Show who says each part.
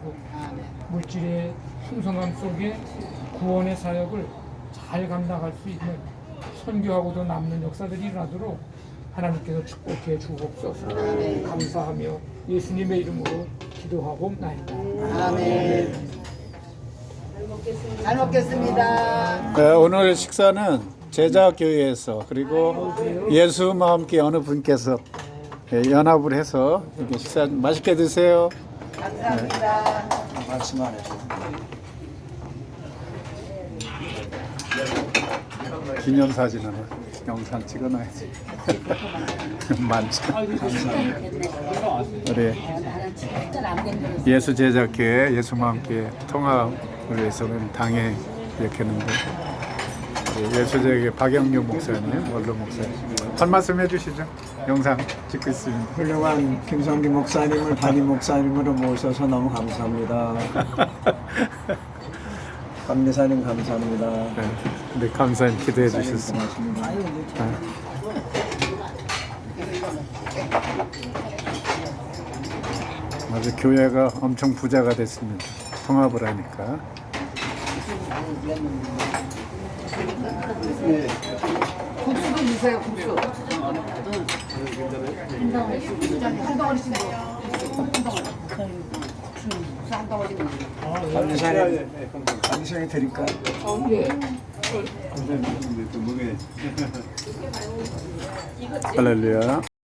Speaker 1: 있고 물질의 풍성함 속에 구원의 사역을 잘 감당할 수 있는 선교하고도 남는 역사들이 일어나도록 하나님께서 축복해 주옵소서. 감사하며 예수님의 이름으로 기도하옵나이다.
Speaker 2: 아멘. 잘 먹겠습니다.
Speaker 3: 네, 오늘 식사는 제자교회에서 그리고 예수와 함께 어느 분께서 연합을 해서 이렇게 식사 맛있게 드세요.
Speaker 2: 감사합니다.
Speaker 4: 말씀 안 해도
Speaker 3: 기념사진은 영상 찍어놔야지. 많죠. 우리 예수제자교회 예수와 함께 통합을 위해서는 당에 이렇게 했는데 예수제자교회 박영규 목사님, 원로 목사님 한 말씀 해주시죠. 영상 찍고 있습니다.
Speaker 4: 훌륭한 김성기 목사님을 담임 목사님으로 모셔서 너무 감사합니다. 감리사님 감사합니다.
Speaker 3: 네, 감사님 기도해 주셨습니다. 아주 교회가 엄청 부자가 됐습니다. 통합을 하니까.
Speaker 2: 국수도 주세요. 국수. 한 덩어리씩 먹어. 한 덩어리.
Speaker 4: 감리사님 드릴까요?
Speaker 1: 예.
Speaker 3: 할렐루야.